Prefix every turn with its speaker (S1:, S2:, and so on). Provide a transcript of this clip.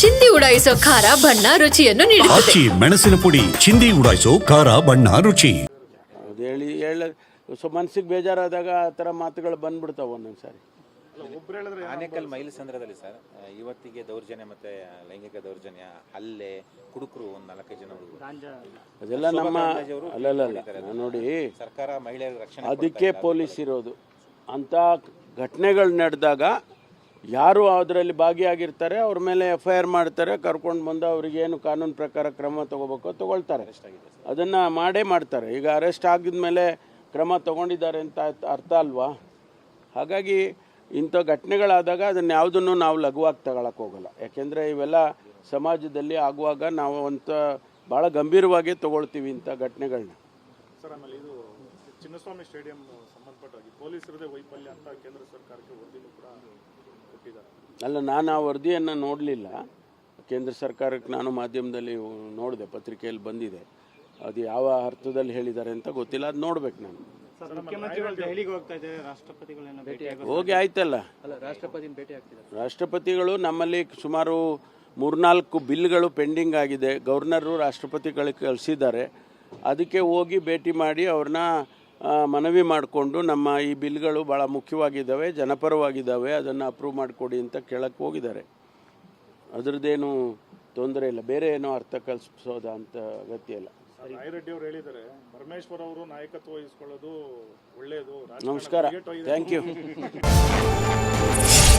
S1: ಚಿಂದಿ ಉಡಾಯಿಸೋ ಖಾರ ಬಣ್ಣ ರುಚಿಯನ್ನು ನೀಡುತ್ತದೆ.
S2: ಆಚಿ ಮೆಣಸಿನ ಪುಡಿ ಚಿಂದಿ ಉಡಾಯಿಸೋ ಖಾರ ಬಣ್ಣ ರುಚಿ.
S3: ಅದು ಹೇಳಿ ಮನಸ್ಸಿಗೆ ಬೇಜಾರಾದಾಗ ಆ ಥರ ಮಾತುಗಳು ಬಂದ್ಬಿಡ್ತಾವೆ ಒಂದೊಂದ್ಸಾರಿ.
S4: ಆನೇಕಲ್ ಮೈಲಸಂದ್ರದಲ್ಲಿ ಸರ್ ಇವತ್ತಿಗೆ ದೌರ್ಜನ್ಯ ಮತ್ತೆ ಲೈಂಗಿಕ ದೌರ್ಜನ್ಯ ಹಲ್ಲೆ ಕುಡುಕರು ಒಂದು 4-5 ಜನ
S3: ಅದೆಲ್ಲ ನಮ್ಮ ಅಲ್ಲ ನೋಡಿ,
S4: ಸರ್ಕಾರ ಮಹಿಳೆಯರ ರಕ್ಷಣೆ
S3: ಅದಕ್ಕೆ ಪೊಲೀಸ್ ಇರೋದು. ಅಂಥ ಘಟನೆಗಳು ನಡೆದಾಗ ಯಾರು ಅದರಲ್ಲಿ ಭಾಗಿಯಾಗಿರ್ತಾರೆ ಅವ್ರ ಮೇಲೆ FIR ಮಾಡ್ತಾರೆ, ಕರ್ಕೊಂಡು ಬಂದು ಅವ್ರಿಗೇನು ಕಾನೂನು ಪ್ರಕಾರ ಕ್ರಮ ತಗೋಬೇಕು ತಗೊಳ್ತಾರೆ. ಅದನ್ನು ಮಾಡೇ ಮಾಡ್ತಾರೆ. ಈಗ ಅರೆಸ್ಟ್ ಆಗಿದ್ಮೇಲೆ ಕ್ರಮ ತಗೊಂಡಿದ್ದಾರೆ ಅಂತ ಅರ್ಥ ಅಲ್ವಾ? ಹಾಗಾಗಿ ಇಂಥ ಘಟನೆಗಳಾದಾಗ ಅದನ್ನು ಯಾವುದನ್ನು ನಾವು ಲಘುವಾಗಿ ತಗೊಳಕ್ಕೆ ಹೋಗಲ್ಲ. ಯಾಕೆಂದರೆ ಇವೆಲ್ಲ ಸಮಾಜದಲ್ಲಿ ಆಗುವಾಗ ನಾವು ಭಾಳ ಗಂಭೀರವಾಗಿ ತಗೊಳ್ತೀವಿ ಇಂಥ ಘಟನೆಗಳನ್ನ.
S5: ಸರ್, ಆಮೇಲೆ ಇದು ಚಿನ್ನಸ್ವಾಮಿ ಸ್ಟೇಡಿಯಂ ಸಂಬಂಧಪಟ್ಟಾಗಿ ಪೊಲೀಸರದೇ ವೈಫಲ್ಯ ಅಂತ ಕೇಂದ್ರ ಸರ್ಕಾರಕ್ಕೆ ವರದಿನೂ ಕೂಡ ಕೊಟ್ಟಿದ್ದಾರೆ.
S3: ಅಲ್ಲ, ನಾನು ಆ ವರದಿಯನ್ನು ನೋಡಲಿಲ್ಲ. ಕೇಂದ್ರ ಸರ್ಕಾರಕ್ಕೆ ನಾನು ಮಾಧ್ಯಮದಲ್ಲಿ ನೋಡಿದೆ, ಪತ್ರಿಕೆಯಲ್ಲಿ ಬಂದಿದೆ. ಅದು ಯಾವ ಅರ್ಥದಲ್ಲಿ ಹೇಳಿದ್ದಾರೆ ಅಂತ ಗೊತ್ತಿಲ್ಲ, ಅದು ನೋಡ್ಬೇಕು ನಾನು. ಹೋಗಿ ಆಯ್ತಲ್ಲ, ರಾಷ್ಟ್ರಪತಿಗಳು ನಮ್ಮಲ್ಲಿ ಸುಮಾರು 3-4 ಬಿಲ್ಗಳು ಪೆಂಡಿಂಗ್ ಆಗಿದೆ. ಗವರ್ನರು ರಾಷ್ಟ್ರಪತಿಗಳಿಗೆ ಕಳಿಸಿದ್ದಾರೆ. ಅದಕ್ಕೆ ಹೋಗಿ ಭೇಟಿ ಮಾಡಿ ಅವ್ರನ್ನ ಮನವಿ ಮಾಡಿಕೊಂಡು ನಮ್ಮ ಈ ಬಿಲ್ಗಳು ಭಾಳ ಮುಖ್ಯವಾಗಿದ್ದಾವೆ, ಜನಪರವಾಗಿದ್ದಾವೆ, ಅದನ್ನು ಅಪ್ರೂವ್ ಮಾಡಿಕೊಡಿ ಅಂತ ಕೇಳಕ್ಕೆ ಹೋಗಿದ್ದಾರೆ. ಅದರದ್ದೇನು ತೊಂದರೆ ಇಲ್ಲ, ಬೇರೆ ಏನೋ ಅರ್ಥ ಕಲ್ಪಿಸೋದ ಅಂತ ಅಗತ್ಯ ಇಲ್ಲ.
S5: ರಾಯರೆಡ್ಡಿ ಅವರು ಹೇಳಿದ್ದಾರೆ, ಪರಮೇಶ್ವರ್ ಅವರು ನಾಯಕತ್ವ ವಹಿಸ್ಕೊಳ್ಳೋದು ಒಳ್ಳೆಯದು.
S3: ನಮಸ್ಕಾರ, ಥ್ಯಾಂಕ್ ಯು.